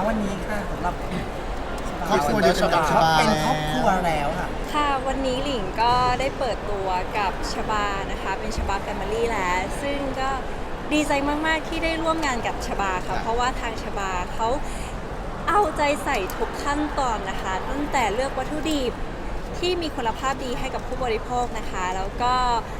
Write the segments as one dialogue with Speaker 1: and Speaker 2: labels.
Speaker 1: วันนี้ค่ะสำหรับ
Speaker 2: ครอบครัวเดียวกันกับชบา
Speaker 1: เป็นครอบครัวแล้วค่ะ
Speaker 3: ค่ะวันนี้หลิงก็ได้เปิดตัวกับชบานะคะเป็นชบาแฟมิลี่แล้วซึ่งก็ดีใจมากๆที่ได้ร่วมงานกับชบาค่ะเพราะว่าทางชบาเขาเอาใจใส่ทุกขั้นตอนนะคะตั้งแต่เลือกวัตถุดิบที่มีคุณภาพดีให้กับผู้บริโภคนะคะแล้วก็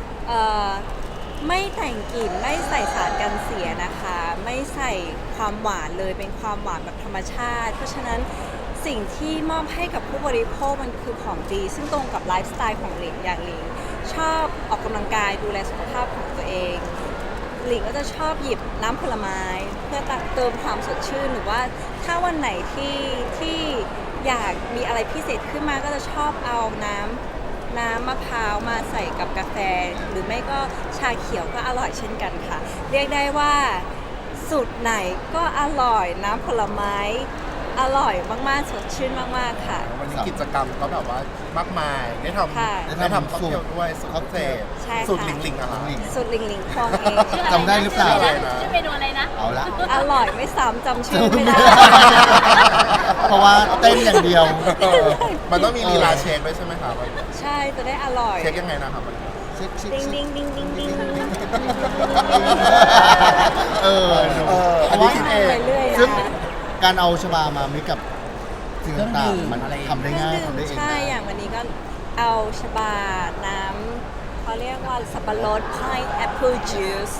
Speaker 3: ไม่แต่งกลิ่นไม่ใส่สารกันเสียนะคะไม่ใส่ความหวานเลยเป็นความหวานแบบธรรมชาติเพราะฉะนั้นสิ่งที่มอบให้กับผู้บริโภคมันคือของดีซึ่งตรงกับไลฟ์สไตล์ของหลิงอย่างหลิงชอบออกกำลังกายดูแลสุขภาพของตัวเองหลิงก็จะชอบหยิบน้ำผลไม้เพื่อเติมความสดชื่นหรือว่าถ้าวันไหนที่อยากมีอะไรพิเศษขึ้นมาก็จะชอบเอาน้ำมะพร้าวมาใส่กับกาแฟหรือไม่ก็ชาเขียวก็อร่อยเช่นกันค่ะเรียกได้ว่าสูตรไหนก็อร่อยน้ำผลไม้อร่อยมากๆสดชื่นมากๆค่ะ
Speaker 2: วันนี้กิจกรรมก็แบบว่ามากมายได้ท
Speaker 3: ค่ะ
Speaker 2: ำค็อกเทลด้วยสูตรพิเศษ
Speaker 3: ใช่ค่ะ
Speaker 2: สูตรหลิงๆอะครับ
Speaker 3: สูตรหลิงหลิงคองเอง
Speaker 2: จำได้หรือเปล่า
Speaker 4: ชื่อเมนูอะไรนะ
Speaker 2: เอาละ
Speaker 3: อร่อยไม่ซ้ำจำชื่อไม่ได้
Speaker 2: เพราะว่าเต้นอย่างเดียว มันต้องมีลีลาเช็คด้วยใช่ไหมครับ
Speaker 3: ใช่จะได้อร่อย
Speaker 2: เช็คยังไงนะครับเช็ค
Speaker 3: ดิงดิงดิงดิงดิง
Speaker 2: อันนี้คิดเอง
Speaker 3: ไปเรื่อย
Speaker 2: ซึ่ง
Speaker 3: นะ
Speaker 2: การเอาชบามามิกกับสิ่งต่างๆมันทำได้ง่าย
Speaker 3: เครื่อง
Speaker 2: ทำได้
Speaker 3: ดื่ม
Speaker 2: เอง
Speaker 3: ใช่
Speaker 2: นะ
Speaker 3: อย่างวันนี้ก็เอาชบาน้ำเขาเรียกว่าสับปะรด pineapple juice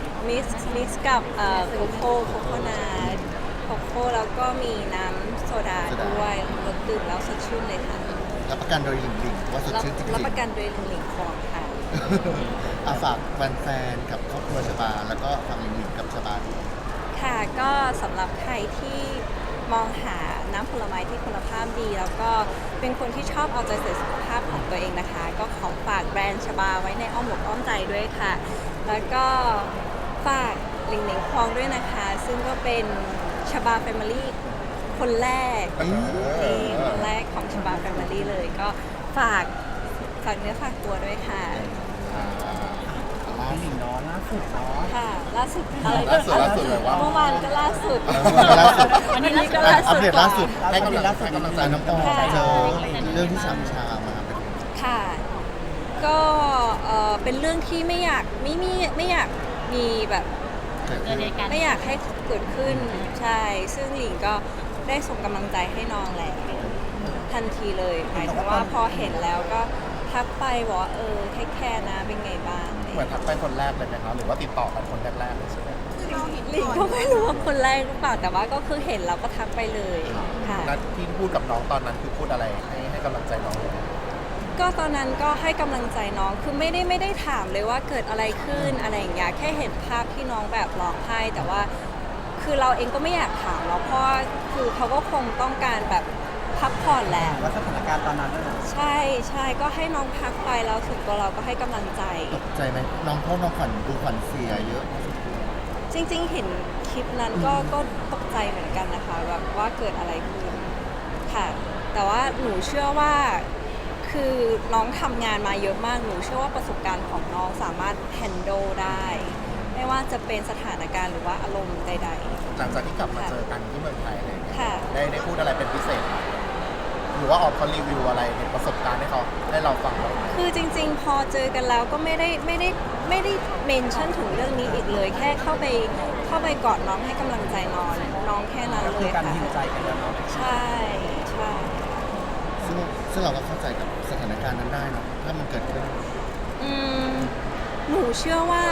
Speaker 3: mix กับโกโก้นัทโกโก้แล้วก็มีน้ำโซดาด้วยรสดื่มแล้วสดชื่นเลยค่ะ
Speaker 2: รับประกันโดยหลิงๆว่าสดชื่นจริง
Speaker 3: รับ
Speaker 2: ๆ
Speaker 3: ประกันโดยหลิงคองค่ะ
Speaker 2: อาฝากแฟนๆกับครอบครัวชบาแล้วก็ฝากหลิงๆกับชบาด้วย
Speaker 3: ค่ะก็สำหรับใครที่มองหาน้ำผลไม้ที่คุณภาพดี แล้วก็เป็นคนที่ชอบเอาใจใส่สุขภาพของตัวเองนะคะ ก็ขอฝากแบรนด์ชบาไว้ในอ้อมอกอ้อมใจด้วยค่ะ แล้วก็ฝากหลิงหลิงคองด้วยนะคะ ซึ่งก็เป็นชบาแฟมิลี่คนแรกนี่คนแรกของชบาแฟมิลี่เลย ก็ฝากเนื้อฝากตัวด้วยค่ะ
Speaker 1: พี่หลิงเนาะล่าสุดเนาะ
Speaker 3: ค่ะล่าสุดอะไร
Speaker 2: ล่าสุดเลยว่า
Speaker 3: เมื่อวานก็ล่าสุด
Speaker 2: ล่าสุด
Speaker 3: วันนี้ก็ล่า
Speaker 2: อัป
Speaker 3: สุด
Speaker 2: เดตล่าสุด
Speaker 1: ล่า
Speaker 2: ให้
Speaker 1: สุด
Speaker 2: กำลังใจน้องปอเจอเรื่องที่สามชามาเป็น
Speaker 3: ค่ะ ก็เป็นเรื่องที่ไม่อยากมีแบบ
Speaker 2: เกิด
Speaker 4: เกิ
Speaker 2: ขึ้
Speaker 4: ด
Speaker 2: น
Speaker 4: เหตุการณ์
Speaker 3: ไม่อยากให้เกิดขึ้นใช่ ซึ่งหลิงก็ได้ส่งกำลังใจให้น้องแล้วทันทีเลยหมายถึงว่าพอเห็นแล้วก็ทักไปบอกว่าเทคแคร์นะเป็นไงบ้าง
Speaker 2: เหมือนทักไปคนแรกเลยไหมคะหรือว่าติดต่อกันคนแรกๆเลยใช่ไหม
Speaker 3: หลิงก็ไม่รู้ว่าคนแรกหรือเปล่าแต่ว่าก็คือเห็นแล้วก็ทักไปเลยค่ะ
Speaker 2: นัดที่พูดกับน้องตอนนั้นคือพูดอะไรให้กำลังใจน้องเลย
Speaker 3: ก็ตอนนั้นก็ให้กำลังใจน้อง คือไม่ได้ถามเลยว่าเกิดอะไรขึ้นอะไรอย่างเงี้ย แค่เห็นภาพที่น้องแบบร้องไห้ แต่ว่าคือเราเองก็ไม่อยากถามแล้วเพราะว่าคือเขาก็คงต้องการแบบพักผ่อนแหละ
Speaker 1: ว่าสถานการณ์ตอนนั้นน่ะ
Speaker 3: ใช่ก็ให้น้องพักไปแล้วถึงตัวเราก็ให้กำลังใจ
Speaker 2: ตกใจไหมน้องพ่อน้องขวัญดูขวัญเสียเยอะ
Speaker 3: จริงๆเห็นคลิปนั้นก็ตกใจเหมือนกันนะคะแบบว่าเกิดอะไรขึ้นค่ะ แต่ว่าหนูเชื่อว่าคือน้องทำงานมาเยอะมากหนูเชื่อว่าประสบการณ์ของน้องสามารถ handle ได้ ไม่ว่าจะเป็นสถานการณ์หรือว่าอารมณ์ใด
Speaker 2: หลังจากที่กลับมาเจอกันที่เมืองไทยอะไรอย่างเงี้ย
Speaker 3: ค่ะ
Speaker 2: ได้พูดอะไรเป็นพิเศษไหมหรือว่าออกเขารีวิวอะไรในประสบการณ์ให้เขาให้เราฟังบ้างไหม
Speaker 3: ๆคือจริงๆ พอเจอกันแล้วก็ไม่ได้เมนชั่นถึงเรื่องนี้อีกเลย แค่เข้าไปกอดน้องให้กำลังใจน้องแค่นั้น
Speaker 1: ก็
Speaker 3: เล
Speaker 1: คือย การ
Speaker 3: ค่ะ
Speaker 1: หิวใจกันแล้วเนาะ
Speaker 3: ใช่ใช่
Speaker 2: ซึ่งเราก็เข้าใจกับสถานการณ์นั้นได้เนอะถ้ามันเกิดขึ้น
Speaker 3: อืมหนูเชื่อว่า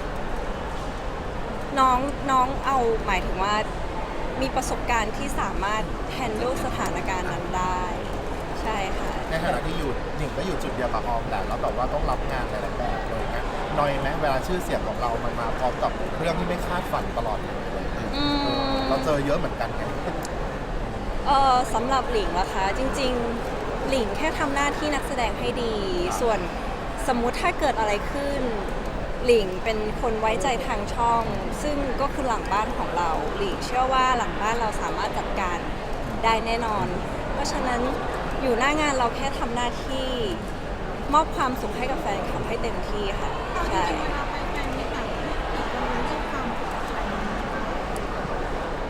Speaker 3: น้องเอาหมายถึงว่ามีประสบการณ์ที่สามารถ handle สถานการณ์นั้นได้ ใช่ค่ะ
Speaker 2: ในฐานะที่อยู่หนึ่งก็อยู่จุดเดียวกับออมแหละแล้วแบบว่าต้องรับงานหลายๆแบบเลยนะน้อยไหมเวลาชื่อเสียงของเรามันมาพร้อมกับเรื่องที่ไม่คาดฝันตลอดเลย
Speaker 3: อืม
Speaker 2: เราเจอเยอะเหมือนกันไง
Speaker 3: สำหรับหลิงนะคะจริงๆหลิงแค่ทำหน้าที่นักแสดงให้ดี ส่วนสมมุติถ้าเกิดอะไรขึ้น หลิงเป็นคนไว้ใจทางช่อง ซึ่งก็คือหลังบ้านของเราหลิงเชื่อว่าหลังบ้านเราสามารถจัดการได้แน่นอน เพราะฉะนั้นอยู่หน้างานเราแค่ทำหน้าที่มอบความสุขให้กับแฟนคลับให้เต็มที่ค่ะใช่ อ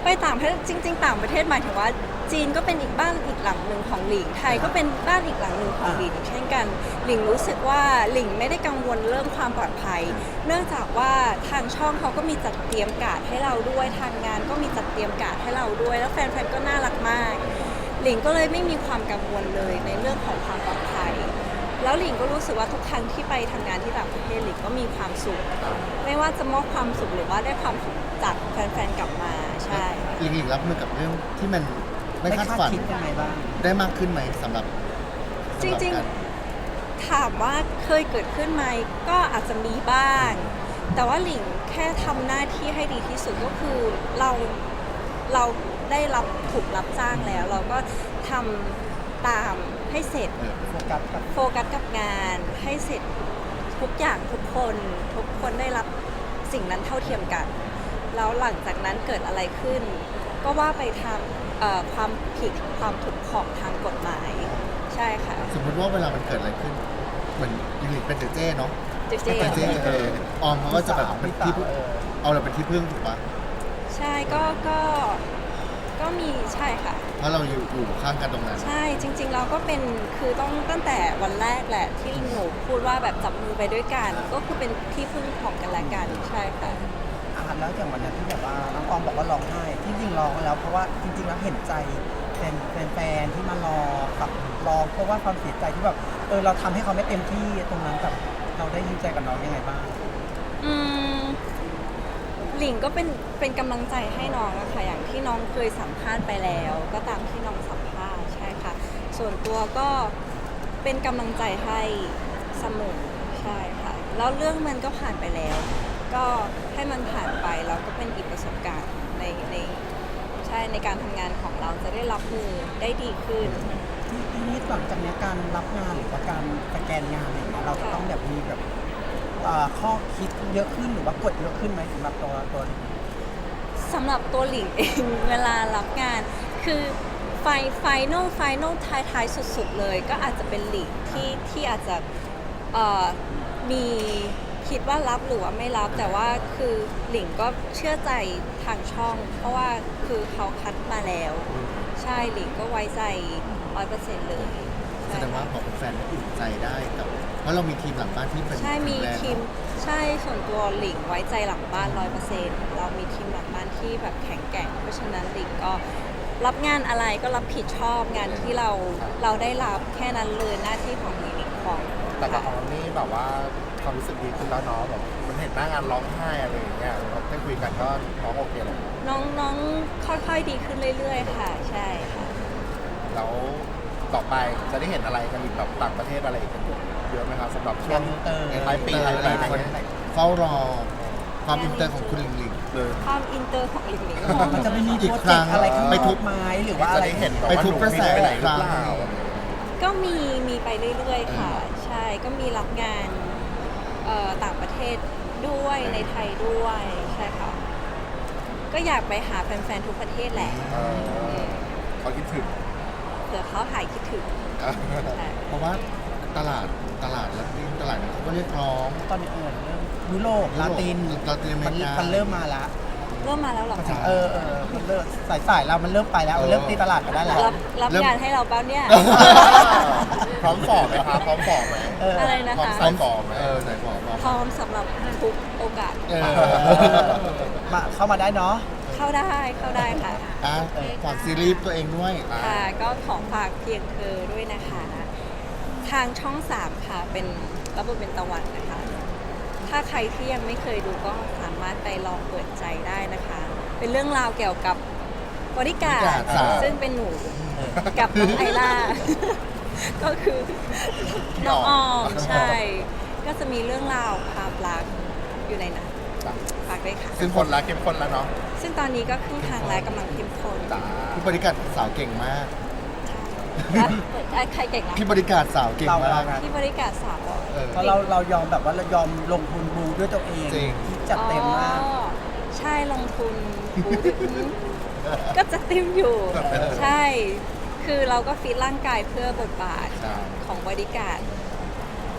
Speaker 3: ไปต่างประเทศจริงๆต่างประเทศหมายถึงว่าจีนก็เป็นอีกบ้านอีกหลังหนึ่งของหลิงไทยก็เป็นบ้านอีกหลังหนึ่งของหลิงเช่นกันหลิงรู้สึกว่าหลิงไม่ได้กังวลเรื่องความปลอดภัยเนื่องจากว่าทางช่องเขาก็มีจัดเตรียมการ์ดให้เราด้วยทางงานก็มีจัดเตรียมการ์ดให้เราด้วย แล้วแฟนๆก็น่ารักมากหลิงก็เลยไม่มีความกังวลเลยในเรื่องของความปลอดภัยแล้วหลิงก็รู้สึกว่าทุกครั้งที่ไปทำงานที่ต่างประเทศหลิงก็มีความสุขไม่ว่าจะมอบความสุขหรือว่าได้ความสุขจากแฟนๆกลับมาใช่
Speaker 4: หลิงรับมือกับเรื่องที่มันไม่คาดฝัน
Speaker 1: คิดยังไงบ้าง
Speaker 4: ได้มากขึ้นไหมสำหรับ
Speaker 3: จริงๆถามว่าเคยเกิดขึ้นไหมก็อาจจะมีบ้าง แต่ว่าหลิงแค่ทำหน้าที่ให้ดีที่สุดก็คือเราได้ถูกรับจ้างแล้ว เราก็ทำตามให้เสร็จ
Speaker 1: โฟกัสกับ
Speaker 3: โฟกัสกับงานให้เสร็จทุกอย่างทุกคนได้รับสิ่งนั้นเท่าเทียมกัน แล้วหลังจากนั้นเกิดอะไรขึ้น ก็ว่าไปทำความผิดความถูกของทางกฎหมายใช่ค่ะ
Speaker 4: สมมติว่าเวลามันเกิดอะไรขึ้นเหมือนหลิงเป็นเจ๊เนาะ
Speaker 3: เจ๊
Speaker 4: เป็นเจ๊ออมเขาก็จะแบบเป็นที่พึ่งเอาเราเป็นที่พึ่งถูกปะ
Speaker 3: ใช่ก็มีใช่ค่ะ
Speaker 4: เพราะเราอยู่ข้างกันตรงนั้น
Speaker 3: ใช่จริงๆเราก็เป็นคือต้องตั้งแต่วันแรกแหละที่หนูพูดว่าแบบจับมือไปด้วยกัน ก็คือเป็นที่พึ่งของกันและกันใช่ค่ะ
Speaker 1: แล้วอย่างวันนั้นที่แบบว่าน้องออมบอกว่าร้องไห้ที่จริงร้องแล้วเพราะว่าจริงๆแล้วเห็นใจแฟนที่มารอกับร้องเพราะว่าความเสียใจที่แบบเราทำให้เขาไม่เต็มที่ตรงนั้นกับเราได้ยินใจกับน้องยังไงบ้าง
Speaker 3: อืมหลิงก็เป็นกำลังใจให้น้องอะค่ะอย่างที่น้องเคยสัมภาษณ์ไปแล้ว ก็ตามที่น้องสัมภาษณ์ใช่ค่ะ ส่วนตัวก็เป็นกำลังใจให้เสมอใช่ค่ะแล้วเรื่องมันก็ผ่านไปแล้ว ก็ให้มันผ่านไปแล้วก็เป็นอีกประสบการณ์ในใช่ในการทำงานของเราจะได้รับมือได้ดีขึ้น
Speaker 1: ทีนี้หลังจากนี้การรับงานหรือว่าการสแกนงานอะไรอย่างเงี้ยเราจะต้องแบบมีแบบข้อคิดเยอะขึ้นหรือว่ากดเยอะขึ้นไหมสำหรับตัว
Speaker 3: สำหรับตัวหลิงเอง เวลารับงานคือไฟนอลท้ายสุดๆเลยก็อาจจะเป็นหลิงที่อาจจะมีคิดว่ารับหรือว่าไม่รับแต่ว่าคือหลิงก็เชื่อใจทางช่อง เพราะว่าคือเขาคัดมาแล้ว ใช่หลิงก็ไว้ใจ 100% เลย
Speaker 4: แสดงว่าพอเป็นแฟนก็อุ่นใจได้กับเพราะเรามีทีมหลังบ้านที่เป็น
Speaker 3: ใช่มี
Speaker 4: แข็งแรง
Speaker 3: ทีมใช่ส่วนตัวหลิงไว้ใจหลังบ้าน 100%เรามีทีมหลังบ้านที่แบบแข็งแกร่งเพราะฉะนั้นหลิงก็รับงานอะไรก็รับผิดชอบงานที่เราได้รับแค่นั้นเลยหน้าที่ของหลิงของ
Speaker 2: แต่กับออมนี่แบบว่าความรู้สึกดีขึ้นแล้วเนาะแบบมันเห็นหน้างานร้องไห้อะไรอย่างเงี้ยเราได้คุยกันก็น้องโอเคเลย
Speaker 3: น้องค่อยๆดีขึ้นเรื่อยๆค่ะใช่ค่ะ
Speaker 2: แล้วต่อไปจะได้เห็นอะไรกันอีกแบบต่างประเทศอะไรอีกกันเยอะไหมครับสำหรับช่วงท้ายปีท้ายปีอะไรเงี้ย
Speaker 4: เฝ้ารอความอินเตอร์ของคุณหลิง
Speaker 3: ความอินเตอร์ของหลิง
Speaker 1: มันจะไม่มี
Speaker 4: อี
Speaker 1: โป
Speaker 4: ก
Speaker 1: ร
Speaker 4: ค
Speaker 1: เจ
Speaker 4: รั้
Speaker 1: ก
Speaker 4: ง
Speaker 1: ต์อะไรขึ้น
Speaker 4: ไปทุ
Speaker 1: ทุ
Speaker 4: บ
Speaker 1: บไม้หรือว่า
Speaker 2: จะ
Speaker 1: อะไร
Speaker 2: ได้เห็นแบบ
Speaker 4: ไป
Speaker 2: ว่า
Speaker 4: ทุบกระแส
Speaker 2: ไปไหนห
Speaker 4: ค
Speaker 2: รือ
Speaker 4: รั้ง
Speaker 2: เปล่า
Speaker 3: ก็มีไปเรื่อยๆค่ะ ใช่ก็มีรับงานต่างประเทศด้วยในไทยด้วยใช่ค่ะ ก็อยากไปหาแฟนๆทุกประเทศแหละ
Speaker 2: เขาคิดถึง
Speaker 3: เผื่อเขาหายคิดถึงใช่
Speaker 4: เพราะว่าตลาดและตลาดเขาก็เรียกร้อง
Speaker 1: ตอนนี้เริ่มยุโรปลาติน
Speaker 4: อเมริกา
Speaker 1: มันเริ่มมาละ
Speaker 3: เริ่มมาแล้วเหรอคะ
Speaker 1: มันเริ่มสายเรามันเริ่มไปแล้วมันเริ่มตีตลาดมาได้แล้ว
Speaker 3: รับงานให้เราเปล่าเนี่ย
Speaker 2: พร้อมฝ่อไหมครับพร้อมฝ่อไหม
Speaker 3: อะไรนะ
Speaker 2: พร้อม
Speaker 3: คะ
Speaker 2: ใส่ฝ่อไหม
Speaker 4: ใส่ฝอมา
Speaker 3: พร้อมสำหรับทุกโอกาส
Speaker 1: มาเข้ามาได้เนาะ
Speaker 3: เข้าได้ค่ะ
Speaker 4: ฝากซีรีส์ตัวเองด้วย
Speaker 3: ค่ะก็ขอฝากเพียงเธอด้วยนะคะ ทางช่อง 3 ค่ะเป็นรับบทเป็นตะวันนะคะ ถ้าใครที่ยังไม่เคยดูก็สามารถไปลองเปิดใจได้นะคะ เป็นเรื่องราวเกี่ยวกับบริการ
Speaker 4: บริการสาว
Speaker 3: ซึ่งเป็นหนูกับน้องไอล่า ก็คือน้องออมใช่ ก็จะมีเรื่องราวความรักอยู่ในนั้นฝากด้วยค่ะ
Speaker 2: ซึ่งคนละเข้มข้นแล้วเนาะ
Speaker 3: ซึ่งตอนนี้ก็ครึ่งทางแล้วกำลังเข้มข้น
Speaker 2: จ้า
Speaker 4: พี่บริการสาวเก่งมาก
Speaker 3: ใครเก่งนะ
Speaker 4: พี่บริการสาวเก่งมาก
Speaker 3: ที่บริการสาวอ่ะ
Speaker 1: เพราะเรายอมแบบว่าเรายอมลงทุนบูด้วยตัวเอง
Speaker 4: จริง
Speaker 1: จัดเต็มมาก
Speaker 3: อ๋อใช่ลงทุนบูธก็จะเต็มอยู่ ใช่ คือเราก็ฟิตร่างกายเพื่อบทบาท
Speaker 4: ใช่
Speaker 3: ของบริการ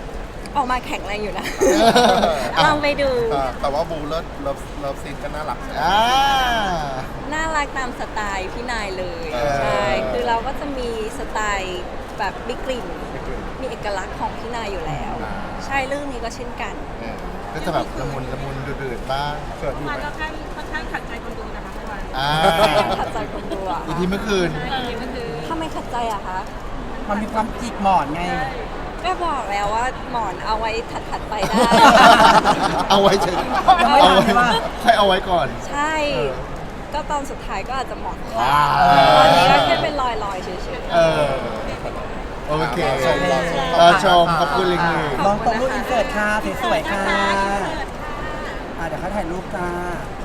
Speaker 3: ออกมาแข็งแรงอยู่นะ ลองไปดู
Speaker 2: แต่ว่าบูเลิฟซีนก็น่ารัก
Speaker 4: อ่า
Speaker 3: น่ารักตามสไตล์พี่นายเลย
Speaker 2: เออ
Speaker 3: ใช่ คือเราก็จะมีสไตล์แบบมีกลิ่น มีเอกลักษณ์ของพี่นายอยู่แล้ว ใช่เรื่องนี้ก็เช่นกัน
Speaker 4: ก็จะแบบละมุนดืดๆบ้าง
Speaker 2: เกิดอยู่
Speaker 5: มัน
Speaker 2: ไหม
Speaker 5: ก็ค่อนข้างขัดใจคนดูนะคะเมื่อวาน
Speaker 4: อ่า
Speaker 3: ขัดใจคนดูอะ
Speaker 4: อีพีเมื่อคืน
Speaker 5: ก็คือ
Speaker 3: ถ้าไม่ขัดใจอะคะ
Speaker 1: มันมีความจิกหมอนไง
Speaker 3: ก็บอกแล้วว่าหมอนเอาไว้ถัดๆไปได้
Speaker 4: เอาไว้เฉย
Speaker 1: ยังไม่ทันใช่ปะ
Speaker 4: ค่อยเอาไว้ก่อน
Speaker 3: ใช่ ก็ตอนสุดท้ายก็อาจจะหมอน
Speaker 4: ว้า
Speaker 3: ตอนนี้ก็แค่เป็นรอยๆเฉย
Speaker 4: เออ โอเค
Speaker 2: ชม
Speaker 4: ชมขอบคุณลิงลิง
Speaker 1: ลองตรงรูปอินเสิร์ตค่ะสวยๆค่ะเดี๋ยวเขาถ่ายรูปจ้า